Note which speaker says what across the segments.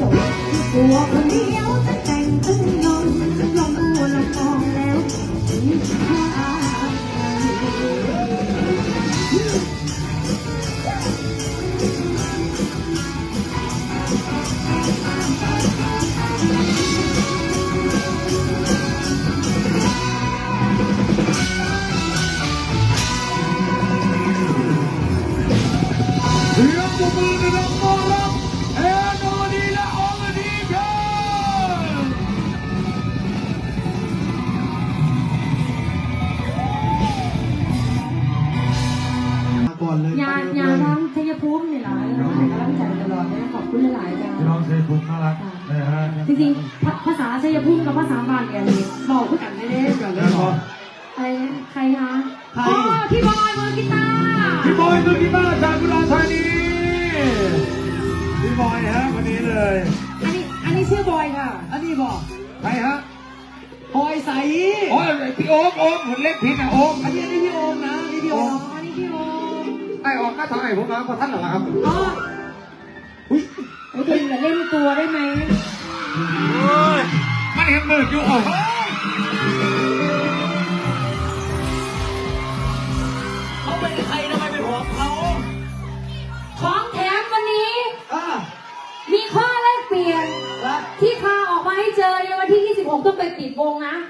Speaker 1: ตัวคนเดียวจะแต่งตึงนอนลองดูละมองแล้วถึงค่า
Speaker 2: เสียงปรบมือดังๆต้อนรับแอนอรดีและอรดีครับก่อนเลย
Speaker 1: ยาทั้งชัยภูมินี่หลายนะกำลังใจตลอดนะขอบคุณหลายๆจ้า
Speaker 2: พี่น้องชัยภูมิน่ารักนะฮะ
Speaker 1: จริงๆภาษาชัยภูมิกับภาษาบ้านเนี่ยบอกพูดกันไม่ได้กันเลยอะไรนะใครคะอ๋อพี่บอยมือกีตาร์
Speaker 2: พี่บอยมือกีตาร์จากอุดรธานีพี่บอยฮะวันนี้เลย
Speaker 1: อันนี้ชื่อบอยค่ะ
Speaker 2: อันนี้บอกใครฮะ
Speaker 1: บอยใส
Speaker 2: อ๋อพี่โอมผมเล็กผิดนะโอม
Speaker 1: อันนี้พี่โอมนะนี่พี่โอมอันนี้พี่โอม
Speaker 2: ไอออกก็ทำไมผมมาเพราะท่านเหรอครับ
Speaker 1: อ๋ออุ้ยไอ้ตัวอย่าเล่นตัวได้ไหม
Speaker 2: มันเห็นมืออยู่อ๋อ
Speaker 3: เขาเป็นใครทำไมเป็นของเขา
Speaker 1: ของแถมวันนี้มีข้อแลกเปลี่ยนที่พาออกมาให้เจอในวันที่26ต้องไปปิดวงนะ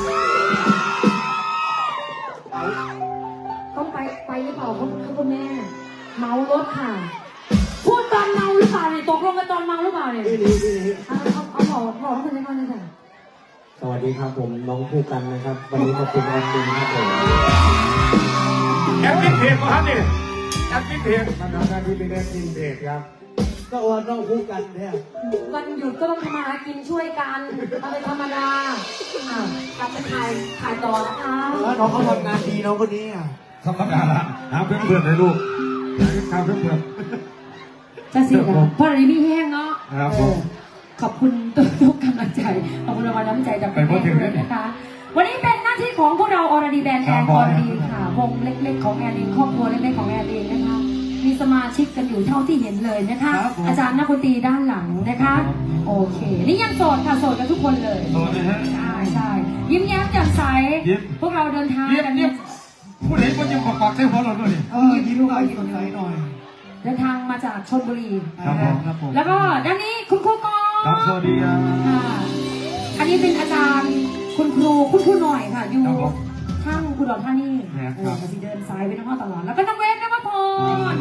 Speaker 1: ต้องไปหรือเปล่าคุณแม่เมารถค่ะพูดตอนเมาหรือเปล่าเนี่ยตกลงกันตอนเมาหรือเปล่าเนี่ยเอาบอกคุณแม่ก่อนเลยค่ะ
Speaker 3: สวัสดีครับผมน้องผู้กันนะครับวันนี้มาเป็นแอดมินครับผม
Speaker 2: แอดมินเพจของท่านนี่แอดมินเพจ
Speaker 3: มาทำหน้าที่เป็นแอดมินเพจครับก็ว่าน้องผู้กันเนี่ย
Speaker 1: วันหยุดก็ต้องทำมาหากินช่วยกันเอาเป็นธรรมดากลับไปถ่ายต่อนะคะ
Speaker 3: แล้วน้องเขาทำงานดีน้องคนนี้
Speaker 2: ธรรมดาละหาเพื่อนเลยลูกหาเพื่อน
Speaker 1: จะสิเพราะอะไรไม่แห้งเนาะขอบคุณทุกกำลังใจขอบคุณรางวัลน้ำใจจากแฟนด้วยนะคะวันนี้เป็นหน้าที่ของพวกเราอรดีแบนด์แอนอรดีค่ะวงเล็กๆของแอนเองครอบครัวเล็กๆของแอนเองนะคะมีสมาชิกกันอยู่เท่าที่เห็นเลยนะคะอาจารย์นักดนตรีด้านหลังนะคะโอเคนี่ยังโสดค่ะโสดกันทุกคนเลย
Speaker 2: โสดเลยฮะ
Speaker 1: ใช่ยิ้มแย้มแจ่มใสพวกเราเดินทางกัน
Speaker 2: เนี่ยพูดเห็นว่ายิ้มปากใส่หัวเราด้วย
Speaker 3: ยิ้มหน่อยยิ้มหน่อย
Speaker 1: เดินทางมาจากชลบุรี
Speaker 2: ครับผม
Speaker 1: แล้วก็ด้านนี้คุณครูกอ
Speaker 2: ล์ฟสวัสดีครับ
Speaker 1: อันนี้เป็นอาจารย์คุณครูหน่อยค่ะอยู่ข้างคุณดอกท่านี่จะเดินซ้ายไปน้องพ่อตลอดแล้วก็น้องเวฟน้องพร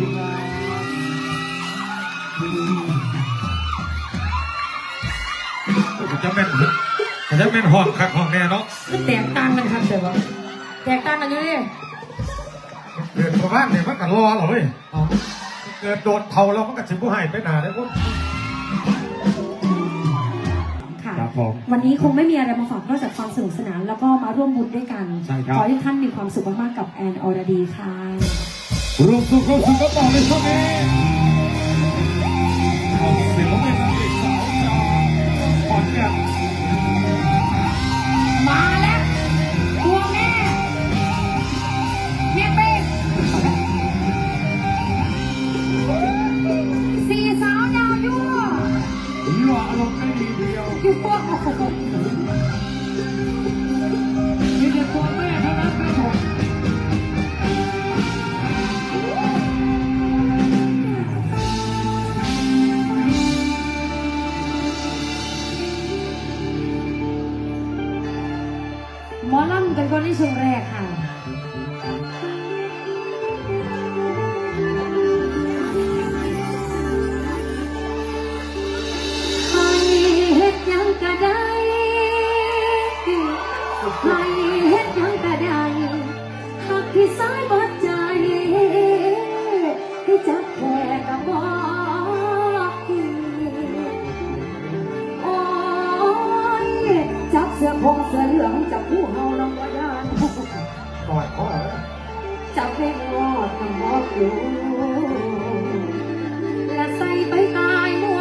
Speaker 2: จะเป็นห้องคักห้องแน่เนาะ
Speaker 1: แตกต่างกันครับแต่ว่าแตกต่างกันอยู่ดิ
Speaker 2: เกิดประมาณเนี่ยมันกันรอเหรอเว้ยเกิดโดนเผาแล้วมันก็ถึงผู้ให้ไปหนาได้ปุ๊บ
Speaker 1: ค่ะวันนี้คงไม่มีอะไรมาฝากนอกจากความสนุกสนานแล้วก็มาร่วมบุญด้วยกันขอให้ท่านมีความสุขมากๆกับแอนอรดีค่ะ
Speaker 2: รวมสุขก็ต่อในช่วงนี้ของศิลปินนางเอกสาวจากขอนแก่น
Speaker 1: มาแล้วตัวแม่เป็นสี่สาวยาวยั่ว
Speaker 2: อารมณ์ไม่ดีเดียว
Speaker 1: ยั่ว
Speaker 2: มีแต่ตัวแม่เท่านั้นครับผม
Speaker 1: หมอลำกันก่อนในช่วงแรกค่ะก็ได้ให้เฮ็ดยังก็ได้หากที่สายบัดใจให้จับแค่กับบอกโอ้ยจับเสื้อพงเสื้อเหลืองจับผู้เฮาลำว่าย่าน
Speaker 2: กอดพ่อ
Speaker 1: จับเพลงวอดทำบอกอยู่และใส่ไปตายมัว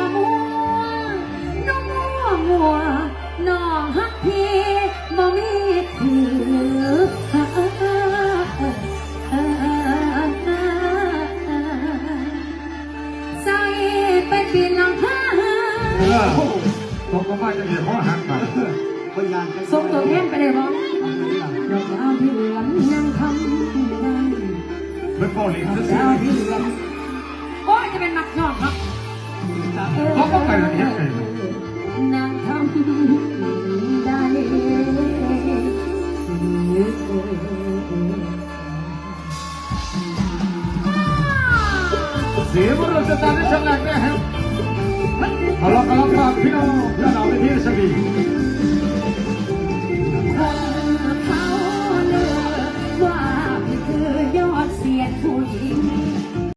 Speaker 1: น้องฮักพี่บ่มีถือใส่ไปปีนหลังคา
Speaker 2: ตกก็มาจะเห็นพ่อหักไป
Speaker 1: ส่งตัวแทนไปเลยบ่ดอกดาวที่เหลืองยังทำได้
Speaker 2: เป็นพ่อเลี้ยง
Speaker 1: ดอก
Speaker 2: ซื้อ
Speaker 1: ดาวที่เหลืองโอ้ยจะเป็นมักชอบครับ
Speaker 2: เขาก็ไปละเอียดเลย
Speaker 1: นางทำได้
Speaker 2: เสียมันเราจะตามได้ฉลาดแน่ฮะเอาละครับพี่น้องเราไปที่สวี